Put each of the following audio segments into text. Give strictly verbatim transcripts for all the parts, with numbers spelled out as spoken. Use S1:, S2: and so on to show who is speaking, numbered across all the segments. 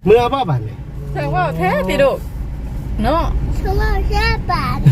S1: เมื่อบ่บัดนี่
S2: เธอว่าแท้ติดุเนาะ
S3: เธอว่าแค่บาท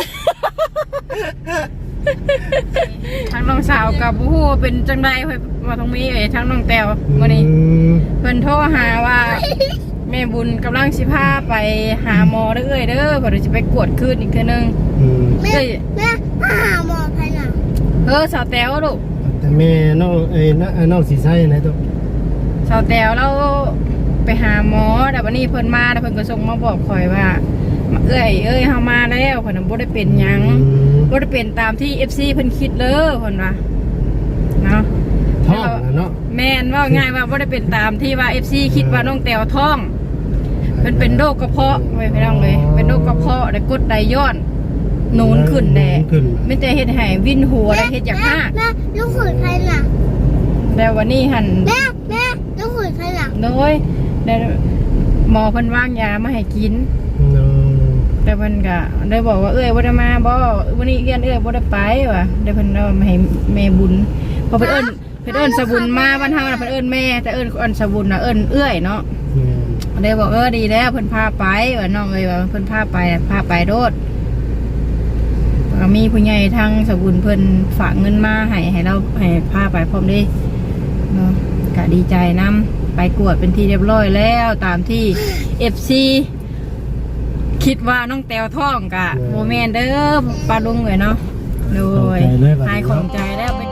S2: ทางน้องสาวกับผู้ฮู้เป็นจังได๋เพิ่นว่าต้องมีเอ้ยทางน้องแต้วมื้อนี้เพิ่นโทรหาว่าแม่บุญกำลังสิพาไปหาหมอเด้อเอ้ยเด้อเพิ่นสิไปกวดคืนอีกเทื่อนึง
S3: แม่แม่หาหมอไผน่ะ
S2: เออสาวแต้วลูก
S1: แต่แม่น้องเอ้ยน้องสิใช้ไหนตัว
S2: สาวแต้วเราไปหาหมอแต่วันนี้เพิ่นมาแล้วเพิ่นก็ส่งมาบอกข่อยว่าเอ้ยเอ้ยเฮามาแล้วเพิ่นบ่ได้เป็นหยังบ่ได้เป็นตามที่ เอฟ ซี เพิ่นคิดเลยเพิ่นว่าเนาะ
S1: ท้องเนาะ
S2: แม่นว่าง่ายว่าบ่ได้เป็นตามที่ว่า เอฟ ซี คิดว่าน้องแต้วท้องเพิ่นเป็นโรคกระเพาะไว้พี่น้องเลยเป็นโรคกระเพาะได้กรดไหลย้อนนูนขึ้นแน่ไม่แต่เฮ็ดให้วินหัวได้เฮ็ดอย่างหาก
S3: แม่ลูกขุนไผน่ะ
S2: แล้ววันนี้หั่น
S3: แม่แม่ลูกขุนไผน่ะ
S2: โดยได้หมอเพิ่นวางยามาให้กินแต่เพิ่นก็ได้บอกว่าเอ้ยบ่ได้มาบ่วันนี้เรียนเอ้ยบ่ได้ไปว่ะได้เพิ่นเอามาให้แม่บุญพอเพิ่นเอิ้นเพิ่นเอิ้นสบุญมาบ้านเฮาน่ะเพิ่นเอิ้นแม่แต่เอิ้นเอิ้นสบุญน่ะเอิ้นเอื้อยเนาะได้บอกเออดีแล้วเพิ่นพาไปว่าน้องเอ้ยว่าเพิ่นพาไปพาไปโดดก็มีผู้ใหญ่ทางสบุญเพิ่นฝากเงินมาให้ให้เราให้พาไปพร้อมเด้เนาะก็ดีใจนำไปกวดเป็นที่เรียบร้อยแล้วตามที่ เอฟ ซี คิดว่าน้องแต้วท้องกะโมเมนเด้อปลาลุงเลยเนาะโดยหายของใจแล้วไป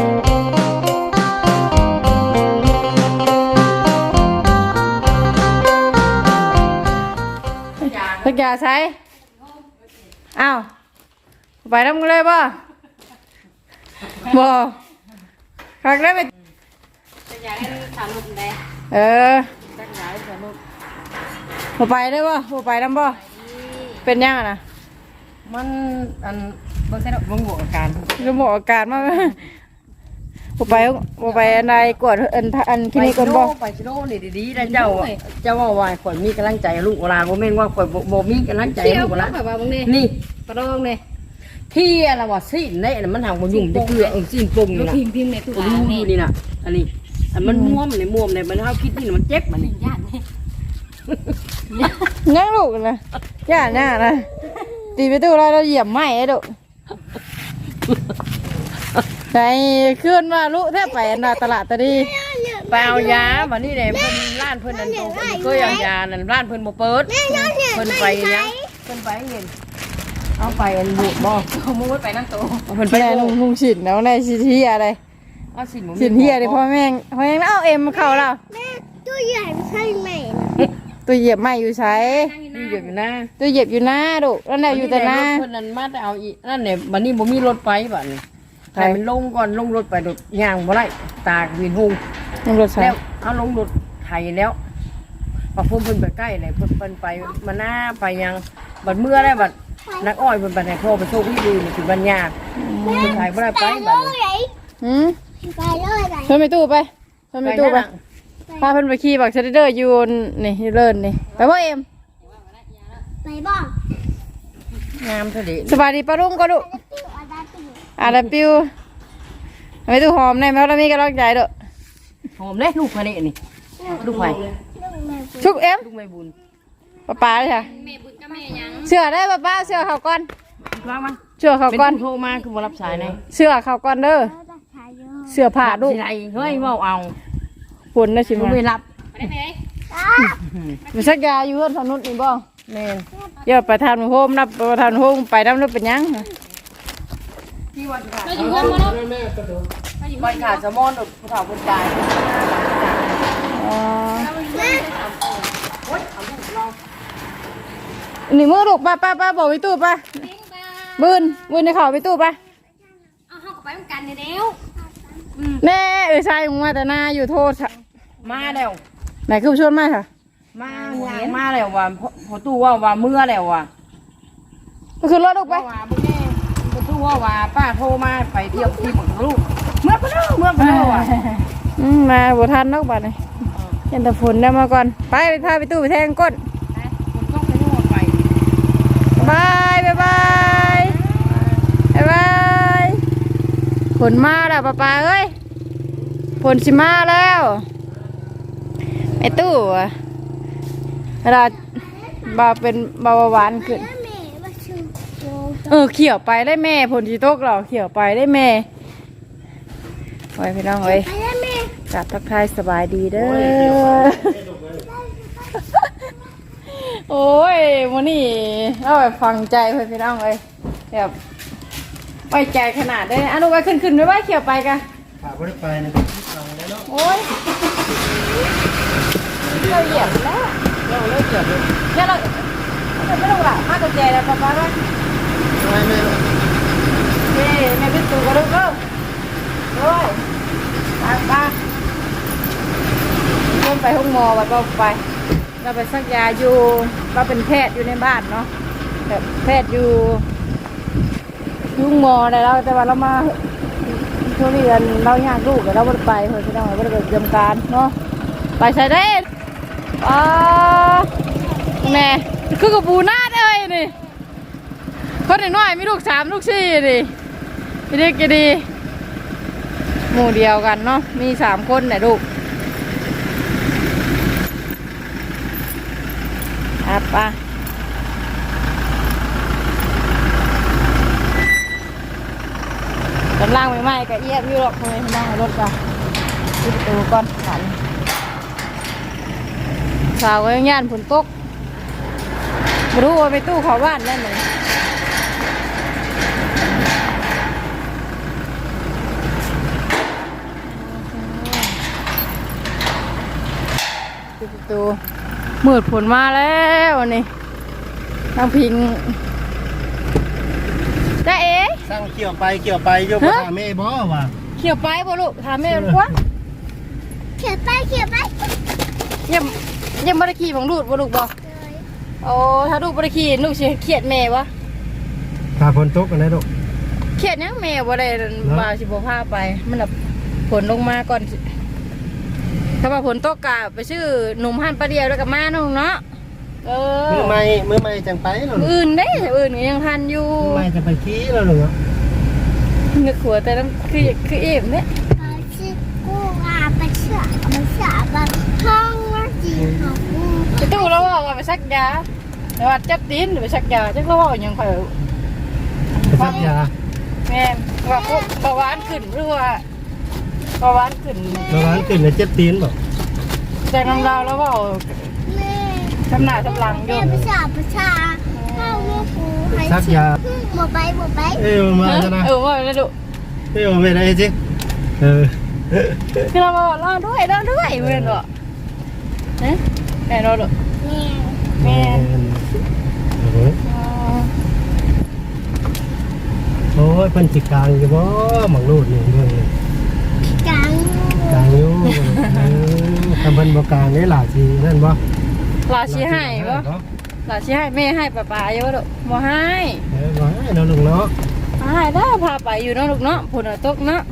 S2: สักยาใช้อ้าวไปน้ำกันเลยป่ะบ่คักได้ไปสักยาให้ถามลูกได้เออสักยาให้ถามลูกบ่ไปได้ป่ะบ่ไปน้ำป่ะเป็นยังนะ
S4: มันอันบ่ใช่ดอกบ่บวกอาการ
S2: บ่บวกอาการมากบ่ไปบ่ไปอันใดกวดอันอันคลินิกก่อนบ่
S4: ไปชิโน่นี่ดีๆนะเจ้าเจ้าว่าว่าข่อยมีกำลังใจลูกเวลาบ่แม่นว่าข่อยบ่มีกำลังใจลูกเวลานี่
S2: ปลาดองนี่
S4: ที่อะไรว่าสิ้นเน่น่ะมันห่างบ่ยุ่งจะเกลือเออสิ้นปงนี่น่ะ
S2: พิมพ์ๆในตู้อ่
S4: านนี่นี่น่ะอันนี้อันมันม่วมนี่ม่วมนี่มันเฮาคิดนี่มันเจ็บมันนี่
S2: ย่านนี่ยังลูกนะย่านน่ะนะตีไปตู้เราเราเหยียบไม้ไอ้ดุไปขึ้นมาลูกแทบไปอันน่ะตลาดตะดี
S4: ไปเอายาบัดนี้แหละเพิ่นร้านเพิ่นนั่นโตก็เอายานั่นร้านเพิ่นบ่เปิดเพิ่นไปยังเพิ่นไปเงินเอาไปอันบุบ่
S2: เอามุ้งไปนั่งโต
S4: เพิ่นไป
S2: ลุงมุ้งฉินแล้วในสิเฮียอะไร
S4: เอาสิน
S2: สินเฮียดิพ่อแม่พ่อแม่เอาเอ็มเข้าแล้ว
S3: แม่ตัวใหญ่ใช่ไหม
S2: ตัวเหยียบไม่อยู่ใช้
S4: เหยียบอยู่นะ
S2: ตัวเหยียบอยู่นะดุนั่นแหละอยู่แต่หน้า
S4: เพิ่นนั่นมาแต่เอาอีนั่นเนี่ยบัดนี้บ่มีรถไปบัดนี้ถ่ายมันลงก่อนลงรถไปรถย่างบ่ได้ตากวินหุง
S2: ลงรถใช้
S4: แล้วเอาลงรถไถแล้วพอพุ่มเพิ่นไปใกล้เลยเพิ่นเพิ่นไปมาหน้าไปยังบัดเมื่อได้บัดนักอ้อยเพิ่นไปไหนพ่อไปโชคที่ดูนี่ถึงบัญญาเพิ่นถ่ายบ่ได้ไปบัดนี้
S2: หืม
S3: ไปเลยไป
S2: เพิ่นไปตู้ไปเพิ่นไปตู้ไปพาเพิ่นไปขี่บักเซเดอร์ยูนนี่ยูเลินนี่ไปบ่เอ็ม
S3: ไปบ่
S4: งามเท่าดิ
S2: สบายดีปะลุงก็ดุอาดาปิวไปตู้หอมในแมวเรามีกระรอกใหญ่ดุ
S4: หอมเลยลูกมาเนี่ยนี่ลูกใหม่
S2: ชุกเอ็ม
S4: ลูกไม่บุญ
S2: ป้าป้าเลยค่ะเชื่อได้ป้าป้าเชื่อเขาก่อน
S4: ว่างมั้ย
S2: เชื่อเขาก่อน
S4: โทรมาคือบ่รับสายเลย
S2: เชื่อเขาก่อนเด้อเชื่อผ่าลูก
S4: เฮ้ยว่าเอา
S2: ฝนนะชิม
S4: ไม่รับ
S2: มีสักยาอยู่เพื่อนสนุนนี่บ่
S4: แม่
S2: ยอดประธานโฮมนับประธานโฮมไปน้ำนึกเป็นยัง
S4: ไปขาดสมอนผู้ถาวคนตาย
S2: นี่มือลูกป้าป้าป้าบอกไปตู้ป้าบืนบืนในเขาไปตู้ป้า
S3: เอาเข้าไปกันเดี๋ยว
S2: แน่เออใช่มาแต่หน้าอยู่โทษ
S4: มาแล้ว
S2: ไหนคือชวนมาค่ะ
S4: มามาแล้วว่าพอตู้ว่าว่าเมื่อแล้วว่ะ
S2: ก็คือรถลูกไป
S4: ว่าบุญแม่พอตู้ว่าว่าป้าโทรมาไปเที่ยวที่ของลูกเมื่อไปแล้วเมื่อไปแล้วว่ะ
S2: มาบัวทันนกบ้านเลยเห็นแต่ฝนได้มาก่อนไปไปพาไปตู้ไปแทงก้นบายบายบายบายบายฝนมาแล้วป้าป้าเอ้ยฝนสิมาแล้วไอ้ตู้เวลาบาเป็นเบาหวานขึ้น
S3: แม่มาชูโก
S2: เออเขี่ยวไปได้แม่ผลจีโต๊กเราเขี่ยวไปได้แม่ไว้พี่น้องเอ้ย
S3: ไปแล้วแม่
S2: กลับทักทายสบายดีเด้อโอ้ยวันนี้เราแบบฟังใจเพื่อนพี่น้องเอ้ยแบบไว้ใจขนาดได้อนุไว้ขึ้นขึ้นไว้ไว้เขี่ยวไปกัน
S1: ขาบ่ได้ไปนะฟังแล้วเนาะ
S2: โอ้ยเราเหยียบแล้ว
S1: เราเลิกเก็บเลย
S2: เดี๋ยวเราเราไม่ต้องหลับมากกว่าใจแล้วป๊าป๊าว่า
S1: ไม่ไม่
S2: เฮ้แม่เป็นตัวกระดูกเด้อโอ้ยไปไปเริ่มไปห้องหมอวัดเราไปเราไปสักยาอยู่เราเป็นแพทย์อยู่ในบ้านเนาะแบบแพทย์อยู่ยุ่งหมอได้แล้วแต่ว่าเรามาช่วงนี้เราอยากลูกเราไม่ได้ไปเพื่อนพี่น้องเราไม่ได้ไปเตรียมการเนาะไปใส่ได้อ๋อแม่คือกับปูนาดเอ้ยนี่คนหนึ่งน้อยมีลูกสามลูกสี่ดิพี่ดีกี่ดีหมู่เดียวกันเนาะมีสามคนเนี่ยลูกอ่ะปะกำลังใหม่ๆก็เอียดอยู่หรอกทำไมนั่งรถจ้ะปิดประตูก่อนขันสาวก็ยังย่านฝนตกไม่รู้ว่าไปตู้เขาบ้านได้ไหมปิดประตูมืดฝนมาแล้ววันนี้นั่งพิงจ้าเอ๋
S1: สร้างเกี่ยวไปเกี่ยวไปโยกมาแม่บ่ว่ะ
S2: เขี่ยวไปบ่ลูกถามแม่มันกว่า
S3: เขียนไปเขียนไป
S2: ยังยังบ่ได้ขี่ของลูกบ่ลูกบ่โอ้ถ้าลูกบ่ได้ขี่ลูกสิเครียดแม่วะ
S1: ขาฝนตกกันได้ดอก
S2: เครียดยังแม่บ่ได้บ่าสิบ่พาไปมันแบบฝนลงมาก่อนสิถ้าว่าฝนตกกะไปซื้อหนุ่มหันปลาเดียวแล้วก็มาน้องเนาะเออ
S1: มือใหม่มือใหม่จังไปเนาะ
S2: มื้ออื่นเด้อื่นก็ยังทันอยู่
S1: มือใหม่จะไปขี้แล้วเนาะ
S2: นึกหัวแต่นั้นคือคือเอ็มเนี่ย
S3: เขาชื่อกูอาไปเชื่อมาเชื่อมาห้องว่าจีของกู
S2: ไปตู้แล้วว่าไปซักยาแต่ว่าจับตีนไปซักยาจักแล้วว่ายังค่อย
S1: ไปซักยา
S2: แม่ว่าพวกเบาหวานขึ้นหรือว่าเบาหวานขึ้น
S1: ระวังขึ้นแล้วเจ็บตีนบ่
S2: ใจน้ำดาวแล้วว่า
S3: แม่
S2: ทำหน้าทำหลังอ
S3: แม่
S2: ยู่
S3: ภาษาภาษาเข้าลูกกูให้
S1: ซักยา
S3: หมดไปหมดไป
S1: เอ้ยมาจ้ะนะ
S2: เออว่าแล้วดู
S1: เอ้ยไม่ได้จริงเออ
S2: คือเราบอกรอด้วยรอด้วยเพื่อนบอกเอ๊ะแม่รอดู
S3: แม่
S2: แม่
S1: โอ้ยเพิ่นสิกลางอยู่บ่หมังรูดนี่เบิ่งนี่
S3: กลาง
S1: กลางอยู่เออทำเพิ่นบ่กลางนี่ล่ะสินั่นบ่
S2: ลาชีให้ปะลาชีให้แม่ให้ป้าป้าเยอะดูบ่ให้
S1: เออบ่ให้เนาะลูกเนาะ
S2: ให้ได้พาไปอยู่เนาะลูกเนาะผลตกเนาะ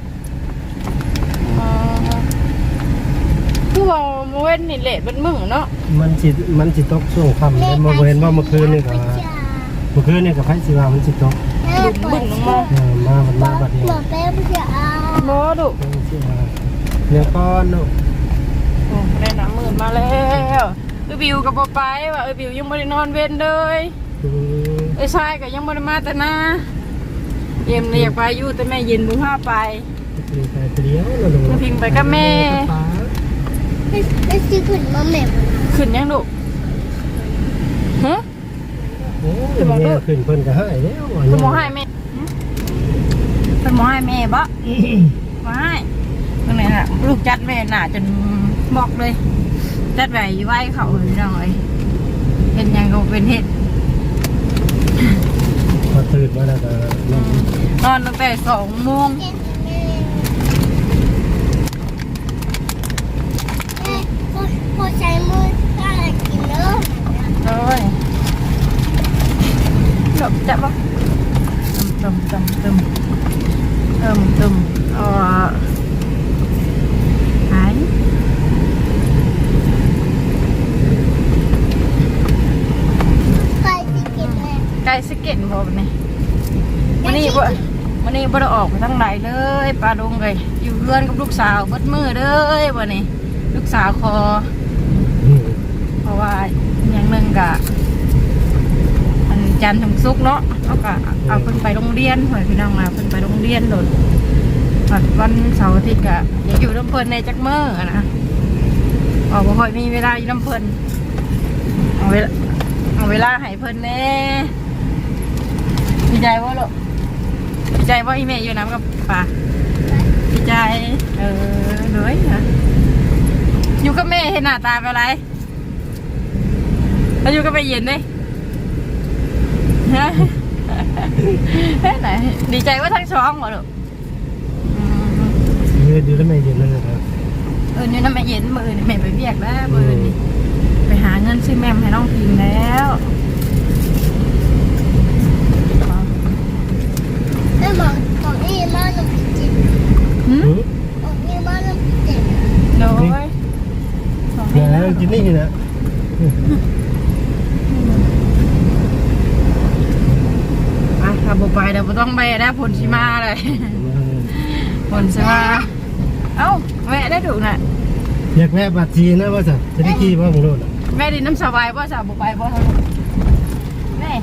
S2: คือว่าเว้นนี่เละเป็นมึงเนาะ
S1: มันสิมันสิตกช่วงค่ำแล้วบ่เห็นว่าเมื่อคืนนี่ก็เมื่อคืนนี่ก็ไผสิว่ามันสิตก
S2: บึ้งบึ้งลงมา
S1: เออมาบัดมาบัดนี้
S3: หมดไปภาษา
S2: บ่ดู
S1: เพิ่นสิว่าเนี่ยก้อนเนาะ
S2: โอ้ได้น้ำหมื่นมาแล้วเออบิวกับบ่ไปว่าเออบิวยังไม่ได้นอนเว้นเลย
S1: อืม
S2: ไอ้ชายก็ยังไม่ได้มาแต่นาเย็นเลยอยากไปอยู่แต่แม่เย็นบุพาไป
S1: มีแต่เดียวเนาะลูก
S2: พิงไปกับแม่
S3: ไม่ซื้อขึ้นมาแม่
S2: ขึ้นยังลูกฮะ
S1: โอ้ยแม่ขึ้นเพิ่นก็ให้แล้วว่า
S2: เป็นหมอให้แม่เป็นหมอให้แม่บ่หมอให้ตรงไหนน่ะลูกจัดแม่หน่าจนบอกเลยจัดไว้ไว้เขาเลยน้องเอ้ยเป็นยังก็เป็นเห็ด
S1: พอตื่นมาแล้วก็นอน
S2: นอนตั้งแต่สองโมง
S3: พอใช้มือก็กินเนอะ
S2: เลยหลบจับบ่ตึมตึมตึมตึมตึมเออหาย
S3: ใครที่กินแม่
S2: ไก่สเก็ตบ่นี่วันนี้บ่วันนี้บ่ได้ออกไปทางไหนเลยปลาดงเลยอยู่เพื่อนกับลูกสาวเบิดมือเลยวันนี้ลูกสาวคอ
S1: อืม
S2: เพราะว่าจันทร์ถึงศุกร์เนาะเอาก็เอาเพิ่นไปโรงเรียนหอยพี่น้องมาเพิ่นไปโรงเรียนโดดวันเสาร์อาทิตย์ก็อยากอยู่น้ำเพิ่นในจักมื้ออะนะบอกบ่ค่อยมีเวลาอยู่น้ำเพิ่นเอาเวลาเอาเวลาให้เพิ่นแน่ดีใจบ่ลูกดีใจบ่อีแม่อยู่น้ำกับป่าดีใจเออเลยนะอยู่กับแม่เห็นหน้าตาเป็นไรแล้วอยู่กับแม่เย็นดิฮะไหนดีใจว่าทั้งช่องเหรอลูก
S1: ยืนอยู่แล้วไม่เย็นเลยครับ
S2: เออนี่น้ำแม่เย็นมือนี่แม่ไปเบียกแล้วมือนี่ไปหาเงินซื้อแม่ให้น้องพิมพ์แล้ว
S3: แม่บอกของนี่มาหนุ่มจิ๋ว
S2: หืม
S3: ของนี่มาหนุ่มจิ๋ว
S2: โดย
S1: อย่าแล้วกินนี่นะ
S2: อ่ะถ้าบุไปเดี๋ยวต้องไปได้ผลชิมาเลยผลชิมาเอ้าแม่ได้ถูกน่ะ
S1: อยากแวะบัตรทีนะว่าจะจะได้ขี่ว่าของโน่น
S2: แม่ดินน้ำสบายป่ะสาวบุไปป่ะแม่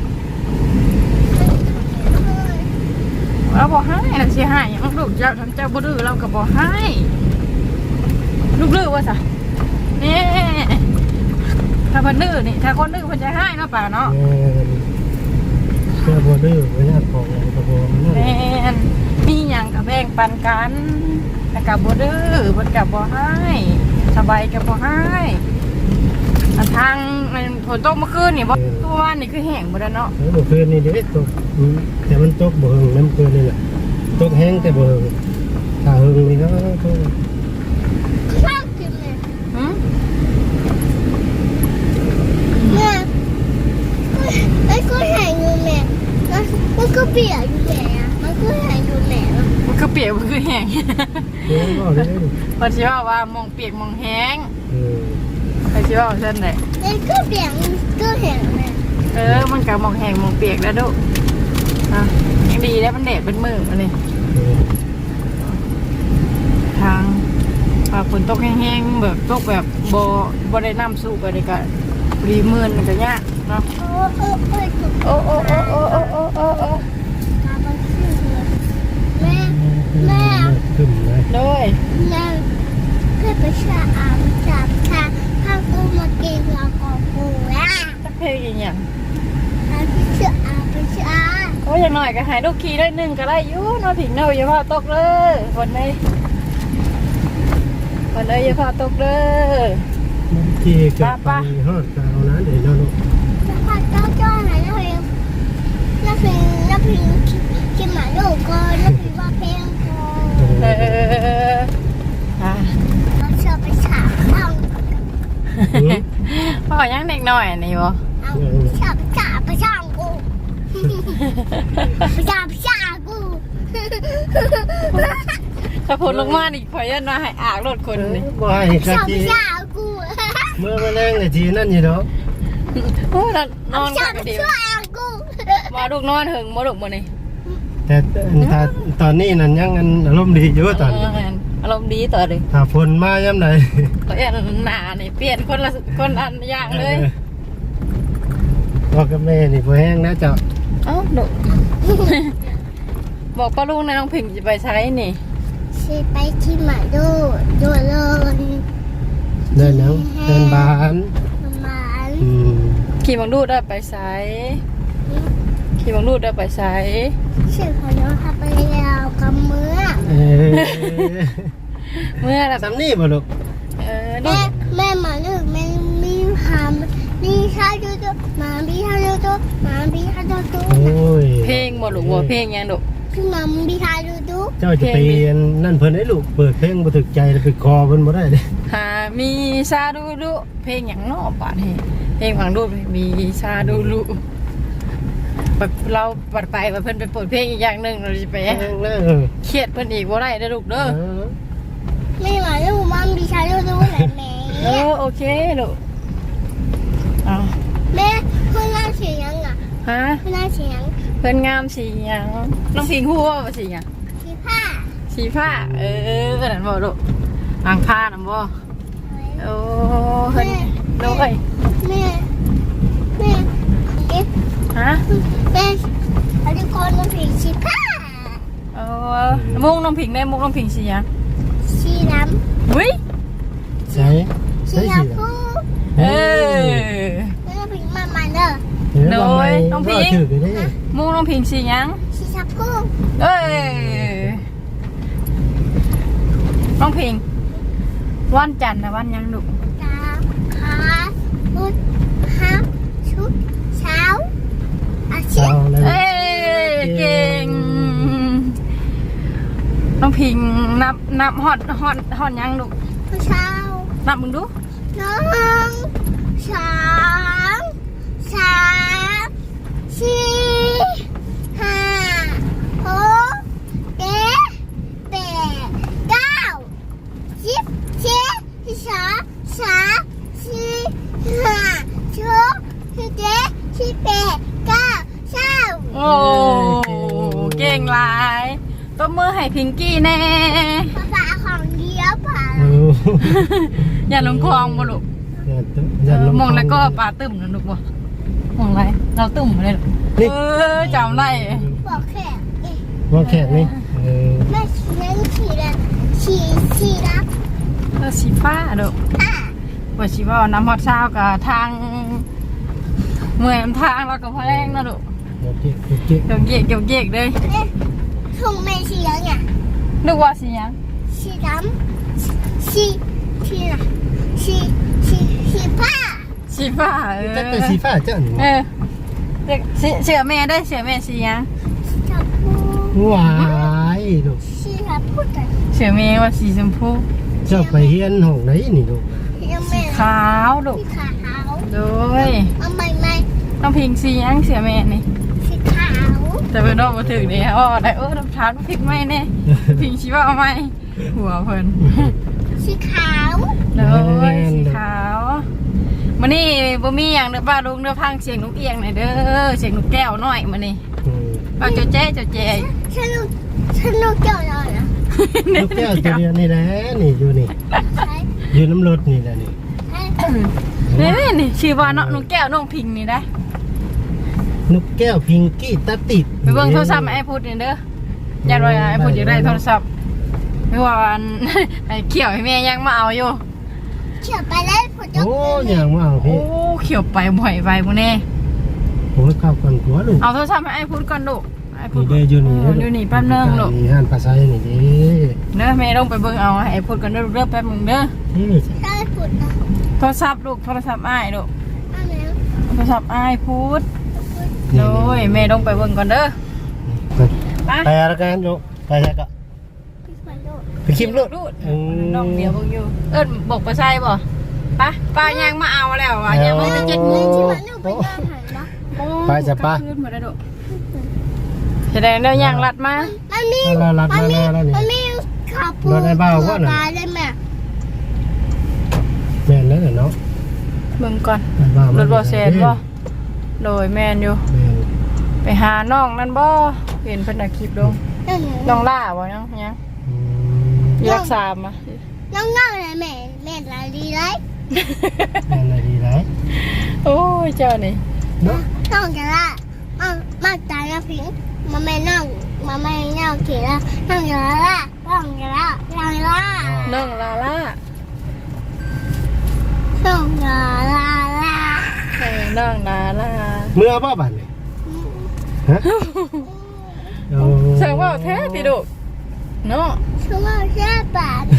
S2: เราบอกให้เราเสียหายอย่างลูกเจ้าทั้งเจ้าบุดื้อเราก็บอกให้ลูกดื้อว่าสะนี่ถ้าคนดื้อนี่ถ้าคนดื้อคนจะให้เนาะป่าเนาะ
S1: เจ้าบัวดื้อไว้หน้าของกระโปรงนั่น
S2: แม่นมีอย่างกับแบ่งปันกันแต่กับบุดื้อบนกับบ่ให้สบายกับบ่ให้ทางมันฝนตกเมื่อคืนนี่บ่ตัววานนี่คือแห้งหมดแล้วเนาะ
S1: แล้วเมื่อคืนนี่เดี๋ยวตกแต่มันตกบ่หึงน้ำเกินนี่แหละตกแห้งแต่บ่หึงถ้าหึงนี่ก็
S3: ชอบกินเลย
S2: หืม
S3: แม่ไอ้ก็แหงอยู่แม่มันก็เปียกอยู่แม่อะมันก็แหงอยู่แม่อะ
S2: มันคือเปียกมันคือแห้ง
S1: เดี๋ยวก็เลย
S2: เพอชิว่าว่ามองเปียกมองแห้ง
S1: เออ
S2: เพอชิว่าเส้นไหน
S3: ไอ้ก็เปียกมันก็แหงแม่
S2: เออมันกับมองแห้งมองเปียกแล้วดูอ่ะยังดีแล้วมันแดดเป็นมือมาเลยทางฝนตกแห้งๆแบบตกแบบบ่บ่ได้น้ำสูบอะไรก็รีมือนมันก็ยากเนาะ
S3: โอ้โอ้โอ้
S2: โอ้โอ้โอ้โอ้โอ้โอ้โอ้
S3: ตามันชื่อเลยแม่แม่
S1: ขึ้นเลย
S2: เลย
S3: แม่เพื่อไปชาอาบจับชาข้าวต้มมากินเราของกูอ่ะ
S2: สักเพลงอย่างเงี้ย
S3: อาไปเชื่ออาไปเชื่อ
S2: โอ้ยอย่างหน่อยก็หายลูกขี่ได้หนึ่งก็ได้อยู่เนาะผิงเนาะอย่าพาตกเลยคนเลยคนเลยอย่าพาตกเลย
S1: ที่เกิดไปฮอดกาวนั้นเดี๋ยวเรา
S3: แล้วพอเจ้าจ้าไหนแล้วเพลงแล้วเพลงแล้วเพลงกินหมาลูกก่อนแล้วเพลงว่าเพลงก่อน
S2: เอออ่ะ
S3: เราเชื่อไปฉาบเอา
S2: พ่อยังเด็กหน่อยนี่บ่
S3: เอาฉาบฉาบไปฉาบกูไปฉาบฉาบกู
S2: ถ้าผลลงมาอีกขอยันมาให้อากรถคนนี่
S1: บ่ให้กะ
S3: ฉาบ
S1: ที
S3: ฉาบกู
S1: เมื่อมาแรงกะทีนั่นอยู่เนาะ
S2: โอ้ยนอน
S3: ฉา
S2: กับ น
S3: ฉา
S2: ดี
S3: บกู
S2: มาลูกนอนถึงมาลูกมานี่
S1: แต่ถ้าตอนนี้นั่นยังอารมณ์ดีอยู่ตอน
S2: อารมณ์ดีต่อเลย
S1: ถ้าฝนมาย่ำไหน
S2: ก็ยันหนานี่เปลี่ยนคนละคนอันอย่างเลย
S1: พ่อกับแม่นี่พอแห้งนะเจ้า
S2: เอ้าหนูบอกป้าลุงนะน้องพิงจะไปใช้นี่
S3: สิไปที่หมาดูดูเลย
S1: เดินแล้วเดินบาน
S3: ประมาณ
S1: อืม
S2: ขี่บังดูดได้ไปใช้ขี่บังดูดได้ไปใช้
S3: ชื่อของน้องทำไปแล้วกับมือ
S1: เอ้ย
S2: เมื่อแบบ
S1: ซ้ำนี่บ่ลูก
S2: เออ
S3: แม่
S2: นี่
S3: แม่มาลูกแม่มีหามมีชาดูดูมาบีชาดูดูมาบีชาดูดู
S1: โอ้ย
S2: เพลงบ่ลูกว่าเพลงยังลูก
S3: คือมาบีชาดูดู
S1: เจ้าจะไปนั่นเพิ่นให้ลูกเปิดเพลงบ่ถึกใจแล้วไปคอเพิ่นบ่ได้เด้
S2: หามีซาดูดูเพลงอย่างนอกป่ะนี่เพลงฝังดูมีซาดูดูแบบเราปัดไปว่าเพิ่นไปเปิดเพลงอีกอย่างหนึ่งเราจะไป
S1: แห้งนะเออ
S2: เครียดเพิ่นอีกว่าไรเด้อลูกเด้อ
S1: เออ
S3: แม่มาลูกมาบีชาดูดูแหละแม่
S2: เออโอเคลูกอ๋อ
S3: แม่คุณน่าเสียงอ่ะ
S2: ฮะ
S3: คุณน่าเสียง
S2: เพิ่นงามสีหยังน้องพิงฮู้ว่าสีหยัง
S3: สีผ้า
S2: สีผ้าเออนั่นบ่ลูกอ่างผ้านั่นบ่โอ้เพิ่นโดย
S3: แม่แม่เอ๊ะ
S2: ฮะะ
S3: แม่อันนี้คนน้ำผิงสีผ้า
S2: เออมุกน้องผิงได้มุกน้องผิงสีหยัง
S3: สีด
S2: อุ้ย
S1: ใช่
S3: ำสี
S1: ใช่สิ
S3: ชมพู
S2: เออ
S3: แม่น้ำผิงมามันเด้อ
S2: โดยน้องพิง
S1: ถือได้
S2: มุกน้องผิงสีหยัง
S3: สีชมพู
S2: เอ้ยน้องผิงวันจันทร์นะวันหยังดุ
S3: ตาขาพุดฮับชุดเช้าอาทิ
S1: เช้า
S3: ตย์
S1: แล้ว
S2: เอ้ยเก่งน้องผิงนับนับฮอดฮอดฮอดหยังดุ
S3: เช้า
S2: นับมึงดู
S3: น้องสองสามสี่ห้าหกเจ็ดแปดเก้าสิบสิบสิบสองสามสี่ห้าหกสิบเจ็ดสิบแปดเก้าเก้า
S2: โอ้เก่งหลายตบมือให้พิงกี้แน่
S3: ภาษาของเดียวผ่าน
S1: โอ้
S2: อย่าลงคลองบ่ลูก
S1: อย่า
S2: เอ
S1: อย่า
S2: อ
S1: ลง
S2: มองแล้วก็ปลาตึมนะลูกบ่มองอะไรเราตึมเลยลูกเออจำได้
S3: บอกแค่เอ๊ะ
S1: ว่าแขกนี่เออ
S3: แม่ชีนั่งชีละชีชีรับ
S2: เออสีฟ้าลูก
S3: อ่ะ
S2: ว่าสิว่าน้ำฮอดเช้ากับทางเมื่อยมันทางเราก็พอแรงนะลูก
S1: โอเคโอเค
S2: เกี่ยวเกียกเกี่ยวเกียกเลย
S3: เอ๊ะถุงแม่ชียังไง
S2: นึกว่าสิหยัง
S3: ชีดำชีชีละชีชีชีผ้า
S2: สีฟ้าเออ
S1: จะเป็นสีฟ้าเจ้าหนู
S2: เออเด็กเสือเสือแม่ได้เสือแม่สีหยัง
S3: ชีชมพู
S1: วายลูก
S3: ชีชมพูแต่
S2: เสือแม่ว่าสีชมพู
S1: เจ้าไปเฮียนห้องไหนนี่ลูก
S3: ยังไม่
S2: ขาวลูก
S3: ชีขาว
S2: โดย
S3: เอาใหม่ใหม่
S2: ต้องพิงสีหยังเสือแม่นี่
S3: ชีขาว
S2: แต่เป็นรอบมาถึงนี่อ๋อได้เออน้ำชาพริกไหมแน่พิงชีว่าเอาไหมหัวเพิ่น
S3: ชีขาว
S2: โดยสีขาวมันนี่บ่มีอย่างเด้อป้าลุงเด้อพังเสียงนกเอียงหน่อยเด้อเสียงนกแก้วหน่อยมานี่
S1: อืม
S2: ป้าเจ้าแจ๊เจ้าแจ๊
S3: ฉันลูกฉันลูกเกี่ยวเลยนะ
S1: ลูกแก้วตัวเดียวนี่แหละนี่อยู่นี่
S3: ใช่
S1: อยู่น้ำรถนี่แหละนี่
S3: ใช่
S2: นี่นี่นี่ชื่อว่าเนาะนกแก้วน้องพิงนี่ได้
S1: นกแก้วพิงกี้ตาติด
S2: ไปเบิ่งโทรศัพท์ไอ้พูดนี่เด้อยันว่าไอ้พูดอยากได้โทรศัพท์ไม่ว่าอัน ไอ้เขียวให้แม่ยังมาเอาอยู่
S3: เขียวไปเลยผมจะ
S1: โอ้อย่างว่าเอา
S2: โอ้
S1: พี่
S2: เขียวไปบ่อยไปบ่แน่
S1: โอ้ยข้าวก่อนหัวลูก
S2: เอาโทรศัพท์ให้ไอ้พูดก่อนลูกไอ้พู
S1: นี่
S2: ด
S1: เด้ออยู่นี่
S2: เอออยู่นี่แป๊บนึงลูก
S1: นี่ห้านภาษานี่เด้
S2: เด้อแม่ต้องไปเบิ่งเอาให้ไอ้พูดก่อนเด้อเด้อแป๊บนึงเด้อ
S1: นี่
S3: ใช่ผุดนะ
S2: โทรศัพท์ลูกโทรศัพท์อ้ายลูก
S3: อันนี้
S2: โทรศัพท์อ้ายพูดโดยแม่ต้องไปเบิ่งก่อนเด้อ ไป
S1: ไปแล้วกันลูกไปแล้วก็
S3: พี่ขวัญลูก
S1: ไปคลิปลูก
S2: รูดน้องเดียวเบิ่งอยู่เอิ้นบอกไปใส่บ่ไปป้ายังมาเอาแล้วอ่ะยังไม่ได้เจ็ดโมง
S3: พี่ขวัญลูกไปย่างหันเนาะ
S1: ไปจ้ะป้า
S2: ขึ้นมาได้ดุแสดงเดี๋ยวย่างรัดมา
S3: มันมี
S1: เรารัด
S3: มั
S1: มาน
S3: มี
S1: แล้วนี่
S3: มันมีข้าวปู
S1: รถไอ้เบาว่าน่ะ
S3: ปลาได้ไหม
S1: แม่นแล้วเนาะ
S2: เบิ่งก่อน
S1: ไอ้บ้าร
S2: ถบ่แซนบ่โดยแมนอยู่
S1: แม่น
S2: ไปหาน้องนั่นบ่เห็นเพิ่นเอาคลิปลง
S3: น้อง
S2: น้องล่าบ่ยังยัง
S1: อืม
S2: รักษามา
S3: น้องน้องเลยแม่แม่ลายดีเลย
S1: แม่นอะไรดีไร
S2: โอ้ยเจ้านี่
S1: เนาะ
S3: น้องจะละมามาตายนะพิงมาแม่น้องมาแม่น้องเขียนละน้องจะละน้องจะละน้องจะละ
S2: น้องลาล่า
S3: น้องจะละละ
S2: เออน้องลาล่า
S1: เมื่อบ่บัดนี่ฮะโอ้
S2: ใช่ว่าแท้ติดุเนาะ
S3: ชื่อว่าแค่ปาด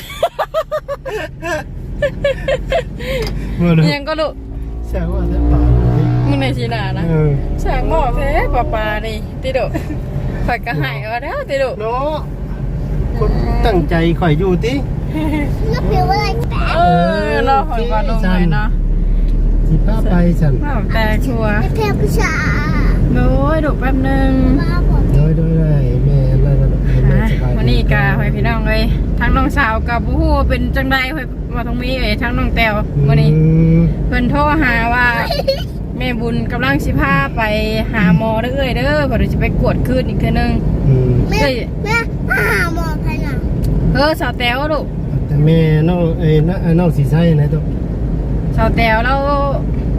S1: เมื่อเลย
S2: ยังก็ลูก
S1: แซวว่าแล้วป่า
S2: มึงในชีนานะ
S1: เออ
S2: แสงหม้อแท้ปลาปลานี่ติดุข่อยก็หายเอาแล้วติดุ
S1: เนาะคนตั้งใจข่อยอยู่ติ
S3: นักเรียนว่าอะไรแปด
S2: เออเนาะข่อยว่าลงเลยเนาะ
S1: สิพาไปฉัน
S2: ว้าวแต่ชัวร์
S3: นักเรียนผู้ชาย
S2: โดยดุแป๊บหนึง
S3: มาบอก
S1: โดยโดยได้แม่นั่นน่ะแม่
S2: อ่ะ
S1: สบายดี
S2: วันนี้กาหอยพี่น้องเลยทั้งน้องสาวกับผู้ฮู้เป็นจังใดหอยมาตรงนี้เลยทั้งน้องแต้ววันนี้
S1: อืม
S2: เพิ่นโทรหาว่าแม่บุญกำลังสิพาไปหาหมอเด้อเอ้ยเด้อเพราะเดี๋ยวจะไปกวดคืนอีกเทื่อนึง
S1: อืม
S3: แม่
S2: เอ้ย
S3: แม่มาหาหมอใครน่ะ
S2: เออสาวแต้วลูก
S1: แต่แม่น้องเอ้ยน้าน้องสีใสนะตัว
S2: สาวแต้วเราไปหา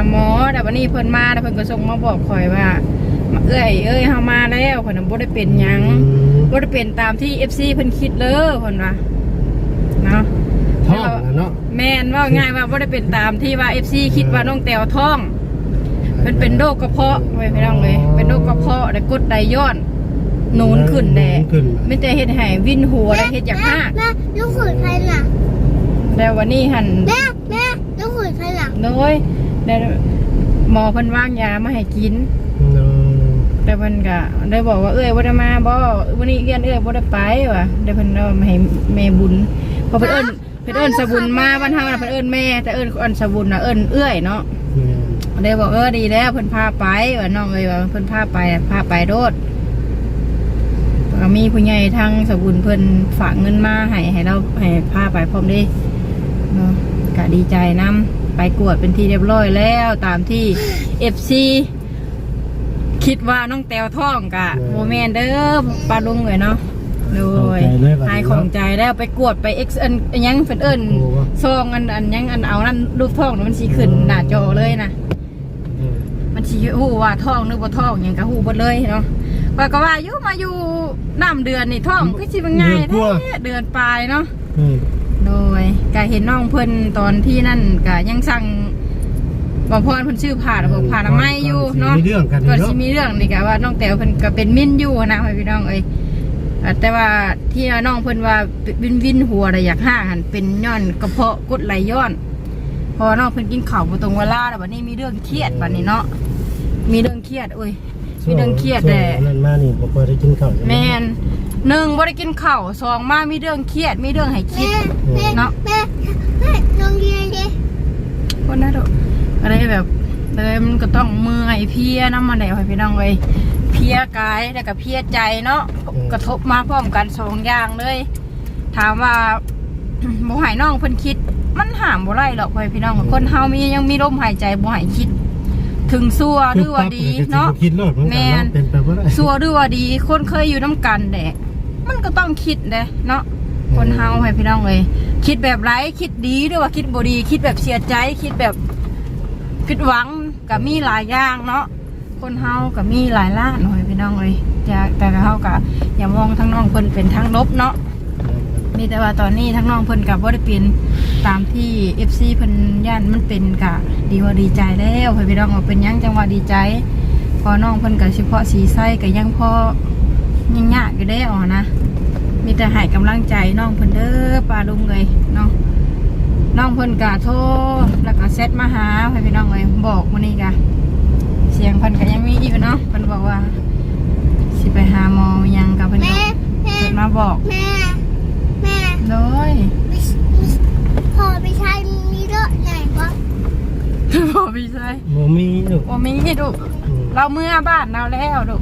S2: หมอแต่วันนี้เพิ่นมาแล้วเพิ่นก็ส่งมาบอกข่อยว่าเอ้ยเอ้ยเฮามาแล้วเพิ่นบ่ได้เป็นหยังบ่ได้เป็นตามที่ เอฟ ซี เพิ่นคิดเลยเพิ่นว่าเนาะ
S1: ท้องนะเนาะ
S2: แม่นว่าง่ายว่าบ่ได้เป็นตามที่ว่า เอฟ ซี คิดว่าน้องแต้วท้องเพิ่นเป็นโรคกระเพาะไว้พี่น้องเอ้ยเป็นโรคกระเพาะได้กรดไหลย้อนนูนขึ้นแน่ไม่แต่เฮ็ดให้วินหัวได้เฮ็ดอยากหาก
S3: แม่ลูกขุนใครน่ะ
S2: แต่วันนี้หั่น
S3: แม่แม่ลูกขุนใครน่ะ
S2: โดยได้หมอเพิ่นวางยามาให้กิน
S1: เนาะ
S2: แต่เพิ่นก็ได้บอกว่าเอ้ยบ่ได้มาบ่วันนี้เรียนเอ้ยบ่ได้ไปว่ะได้เพิ่นเอามาให้แม่บุญเพราะเพิ่นเอิ้นเพิ่นเอิ้นสะบุญมาบ้านเฮาน่ะเพิ่นเอิ้นแม่แต่เอิ้นอันสะบุญน่ะเอิ้นเอื้อยเนาะได้บอกเออดีแล้วเพิ่นพาไปว่าน้องเอ้ยว่าเพิ่นพาไปพาไปโดดก็มีผู้ใหญ่ทางสะบุญเพิ่นฝากเงินมาให้ให้เราให้พาไปพร้อมเด้เนาะก็ดีใจนำไปกวดเป็นที่เรียบร้อยแล้วตามที่ เอฟ ซี คิดว่าน้องแต้วท้องกะโมเมนเด้อปลาลุงเลยเนาะโดยหายของใจแล้วไปกวดไปเอ็กซ์อันยังเฟินเอิญซองอันอันยังอันเอานั่นรูปท้องมันสีขึ้นหน้าจอเลยนะมันสีหูว่าท้องนึกว่าท้องยังกะหูหมดเลยเนาะว่าก็ว่าอยู่มาอยู่น้ำเดือนนี่ท้องก็ชิบง่ายแท้เดือนปลายเนาะโดยกะเห็นน้องเพิ่นตอนที่นั่นกะยังสั่งบอกพ่อเพิ่นชื่อผ่าบอกผ่าละไม้อยู่เนาะก็สิมีเรื่องนี่กะว่าน้องแต้วเพิ่นก็เป็นมิ้นอยู่นะพี่น้องเอ้ยแต่ว่าที่น้องเพิ่นว่าวินวินหัวอะไรอยากห้าหันเป็นย้อนกระเพาะกดไหลย้อนพอน้องเพิ่นกินข้าวบ่ตรงเวลาแล้วบัดนี้มีเรื่องเครียดบัดนี้เนาะมีเรื่องเครียดโอ้ยมีเรื่องเครียดแต่
S1: นั่นมานี่บ่ได้กินข้าว
S2: แม่นหนึ่งบ่ได้กินข้าวสองมามีเรื่องเครียดมีเรื่องให้คิดเนาะ
S3: แม่แม่โรงเรียนดิ
S2: คนน่าดุอะไรแบบเลยมันก็ต้องเมื่อยเพียน้ำมันไหลพี่น้องเลยเพียกายแล้วก็เพียใจเนาะกระทบมาพร้อมกันสองอย่างเลย ถามว่าบ่หายน้องเพิ่นคิดมันหามบ่ไรหรอกพี่น้องคนเฮามียังมีลมหายใจบ่หายคิด ถึงซัวหรือว่าดีเนาะแม่นซัวหรือว่าดีคนเคยอยู่น้ำกันแดะมันก็ต้องคิดเด้เนาะคนเฮาให้พี่น้องเลยคิดแบบไรคิดดีหรือว่าคิดบ่ดีคิดแบบเสียใจคิดแบบผิดหวังกับมีหลายอย่างเนาะคนเฮากับมีหลายล้านหน่อยพี่น้องเลยจะแต่เฮากับอย่ามองทั้งน้องเพิ่นเป็นทั้งลบเนาะมีแต่ว่าตอนนี้ทั้งน้องเพิ่นกับว่าได้เป็นตามที่ เอฟ ซี เพิ่นย่านมันเป็นกะดีว่าดีใจแล้วพี่น้องว่าเป็นยังจังว่าดีใจพอน้องเพิ่นกับเฉพาะสีไส้กับยังพอยังยากอยู่ได้อ๋อนะมีแต่ให้กำลังใจน้องเพิ่นเด้อปลาลุงเลยเนาะน้องเพิ่นกะโทรแล้วก็เซตมาหาพี่น้องเลยบอกวันนี้กะเสียงเพิ่นก็ยังมีอยู่เนาะเพิ่นบอกว่าสิไปหาหมอยังกับเพิ่นก็เพิ่นมาบอก
S3: แม่แม่
S2: เลย
S3: พอไปใช้มีเรื่องไหนวะ
S2: พอพี่ใช่
S1: โมมีลูก
S2: โมมีลูกเราเมื่อบ้านเราแล้วลูก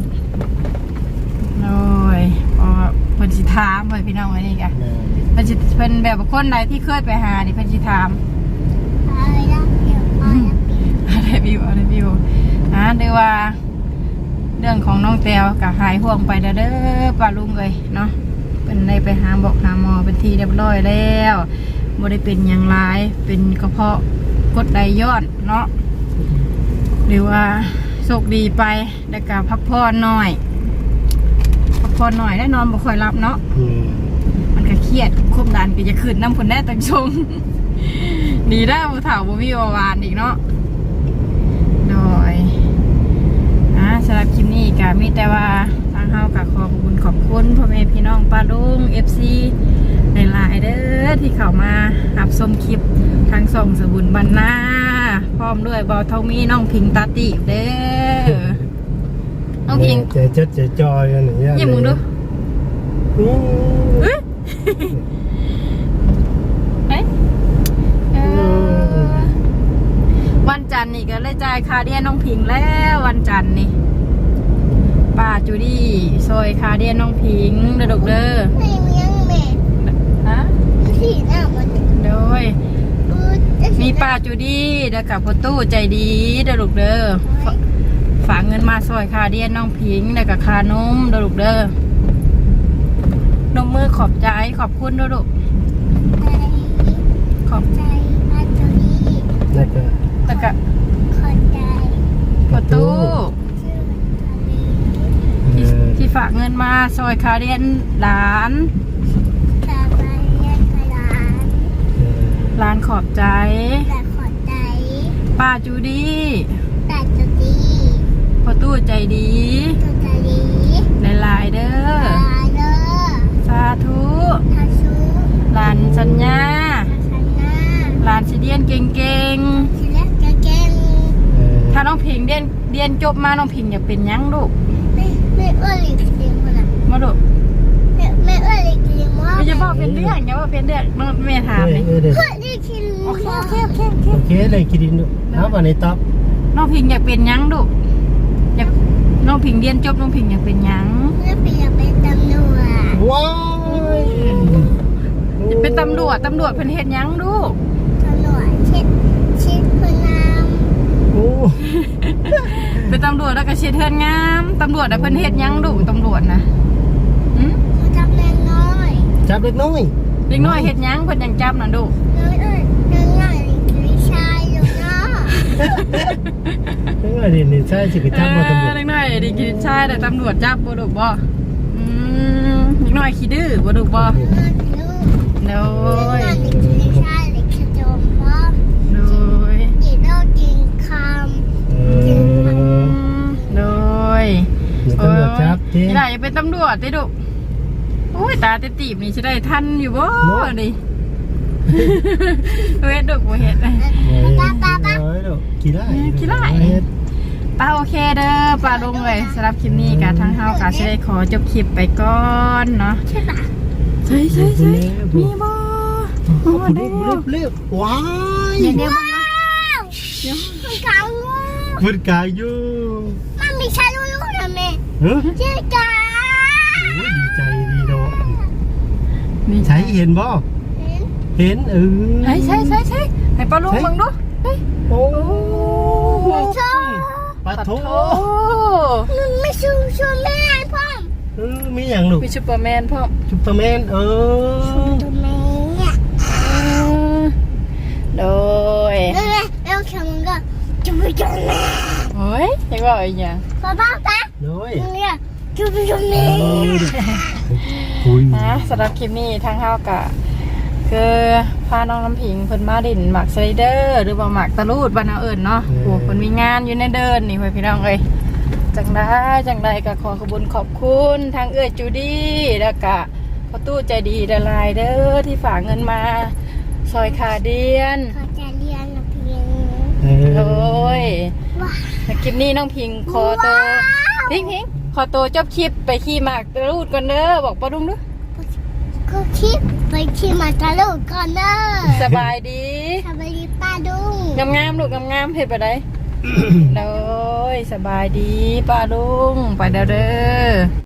S2: เลยพอเพิ่นสิถามเพิ่นพี่น้องไว้นี่กะเพิ่นสิเพิ่นแบบคนใดที่เคยไปหานี่เพิ่นสิถาม
S3: อะไรนะเดี๋ยว
S2: อะไรบิวอะไรบิวอ่ะเดี๋ยวว่าเรื่องของน้องแต้วกะหายห่วงไปเด้อป้าลุงเลยเนาะเป็นได้ไปหาบอกหาหมอเป็นทีเรียบร้อยแล้วบ่ได้เป็นอย่างไรเป็นกระเพาะกดไหลย้อนเนาะหรือว่าโชคดีไปได้กะพักผ่อนหน่อยพักผ่อนหน่อยได้นอนบ่ค่อยหลับเนาะมันก็เครียดควบดันก็จะขึ้นน้ำผลได้ตั้งชงดีได้ผู้เฒ่าบ่มีวานอีกเนาะโดยอ่ะสำหรับคลิปนี้ก็มีแต่ว่าทางเฮาก็ขอบคุณขอบคุณพ่อแม่พี่น้องป้าลุง เอฟ ซี หลายๆเด้อที่เข้ามารับชมคลิปทางส่องสบุญบรรณาพร้อมด้วยบอทองมีน้องพิงตาติเด้อน้องพิง
S1: ใจเจ็ดใจจอยกันอย่างเงี้ย
S2: ยิ้มมึงดูวันจันทร์นี่ก็เลยจ่ายค่าเดียนน้องพิงแล้ววันจันทร์นี่ป้าจูดี้ซอยค่าเดียนน้องพิงเด้อลูกเด้อ
S3: ไม่มียังแม่
S2: ฮะ
S3: ที่หน้ามัน
S2: โดยมีป้าจูดี้เด้อกับพ่อตู้ใจดีเด้อลูกเด้อฝากเงินมาซอยค่าเดียนน้องพิงเด้อกับค่านมเด้อลูกเด้อนมมือขอบใจขอบคุณเด้อลูก
S3: ขอบใจป้าจูดี้
S1: แล้วก็
S2: แล้วก็
S3: ขอบ
S2: ฝากเงินมาซอยคาเรียนหลาน
S3: สบายเรียนกระดาน
S2: หลานขอบใจ
S3: แต่ขอใจ
S2: ป้าจูดี้
S3: แต่จะดี
S2: พ่อตู้ใจดี
S3: ตัวจะดี
S2: ในลายๆเด้อ
S3: ลายเด้อ
S2: สาธุ
S3: ทัชู
S2: หลานสัญญา
S3: ทัชนา
S2: หลานสิเดียนเก่ง
S3: ทีแรกจะเก่ง
S2: ๆถ้าน้องพิงเดียนเดียนจบมาน้องพิงอยากเป็นหยังลูก
S3: ไม่ไม่เอื้อหลีกเลี่ยงคนละ
S2: มาลูก
S3: ไม่ไม่เอื้อหลีกเลี่ยงว่า
S2: ไม่จะบอกเป็นเรื่องอย่าว่าเป็นเรื่องน้องแม่ถามเลย
S1: เออเด้อ
S3: เพื่อที่คิด
S2: โอเคโอเคโอเคโอเค
S1: โอเคเลยกินดินดูเอามาในต๊อบ
S2: น้องพิงอยากเป็นหยังลูกอยากน้องพิงเรียนจบน้องพิงอยากเป็นหยัง
S3: เพื่อเปลี่ยนเป็นตำรวจ
S1: ว้าย
S2: อยากเป็นตำรวจตำรวจเพิ่นเฮ็ดหยังลูก
S3: ตำรวจชิดชิดพนาม
S1: โอ้
S2: เป็นตำรวจแล้วก็เช็ดเทือนงามตำรวจน่ะเพิ่นเฮ็ดหยังลูกตำรวจนะหืม
S3: เขาจับแรงน้อย
S1: จับเล็กน้อย
S2: เด็กน้อยเฮ็ดหยังเพิ่นยังจับน่ะลูก
S3: น้อยเอ้ยน้อยง่ายเลยชายอยู่เนาะ
S1: เล็กน้อยเด่นเด่นใช่สิไปจับมาตำรวจ
S2: เด็กน้อยเด็กกินชายแต่ตำรวจจับบ่ลูกบ่อืมเด็กน้อยขี้ดื้อบ่ลูกบ่
S3: น้อยลูก
S2: โด
S3: น้อย
S2: ย
S3: เลยชายเลยขจมพร้อม
S2: โดย
S3: ดีโลกินค
S1: เออ
S2: โดย
S1: เดี๋ยวตำรวจจับเจ๊
S2: นี่ล่ะอย่าเป็นตำรวจติลูกโอ้ยตาเตตีบนี่สิได้ทันอยู่บ่ดิเฮ็ดลูกบ่เฮ็ด
S3: ำป้าป้าป้า
S1: เอ้ยลูกกี่ไร่
S2: กี่ไร่ ป้าโอเคเด้อป้าลงเลยสำหรับคลิปนี้กะทางเฮากะสิได้ขอจบคลิปไปก่อนเนาะ
S3: ใช่ปะ
S2: ใช่ใช่ใช่มีบ่
S1: โอ้เรียบเรียบเรียบว้าย
S2: เดี๋ยวเดี๋ยว
S3: ว้าวมันกลางงู
S1: มันกายอยู่
S3: มันมีชายลูกนะแม่
S1: เฮ้ย
S3: เจ๊กา
S1: โอ้ยดีใจดีเนาะ
S2: มี
S1: ใช้เห็นบ่
S3: เห็น
S1: เห็นเออ
S2: ใช่ใช่ใช่ใช่ให้ป้าลุงมึงดูเฮ้ย
S1: โอ้
S3: มันชอบ
S1: ปะโถ
S2: โอ้
S3: มันไม่ชูชูแม่พ่อม
S1: เออมีอย่างลูก
S2: มีซูเปอร์แมนพ่อม
S1: ซุปเปอร์แมนเออ
S3: ตัวแม่เนี่ย
S2: โดย
S3: แล้วแล้วแค่มึงก็จะไปจนแม่
S2: โอ้ยยังว่าอีกอย่าง
S3: ป้าป้าป้า
S1: น้อย
S3: มึงเนี่ยจะไปจนแม่
S1: เออคุย
S2: นะสำหรับคลิปนี้ทางเฮากะคือพาน้องน้ำผิงเพิ่นมาดินหมักสไลเดอร์หรือว่าหมักตะลูดบ้านเอาเอิญเนาะโอ้เพิ่นมีงานอยู่ในเดินนี่เพื่อนพี่น้องเอ้ยจังได้จังได้ก็ขอขอบคุณขอบคุณทางเอื้อจูดี้แล้วก็พ่อตู้ใจดีละลายเด้อที่ฝากเงินมาซอยขาเดียน
S3: เขาจะเรียนนะเพียง
S1: เอ
S2: โด
S1: อย
S3: ว้า
S2: ในคลิปนี้น้องพิงขอตัวพิงพิงขอตัวจบคลิปไปขี่หมากตะลูดก่อนเด้อบอกป้าดุงดู
S3: ก็คิดไปขี่มาตะลุกก่อนเด้อ
S2: สบายดี
S3: สวัสดีป้าดุง
S2: งามงามๆลูกงามงามๆเห็ดไปได้ โดยสบายดีป้าลุงไปเด้อเด้อ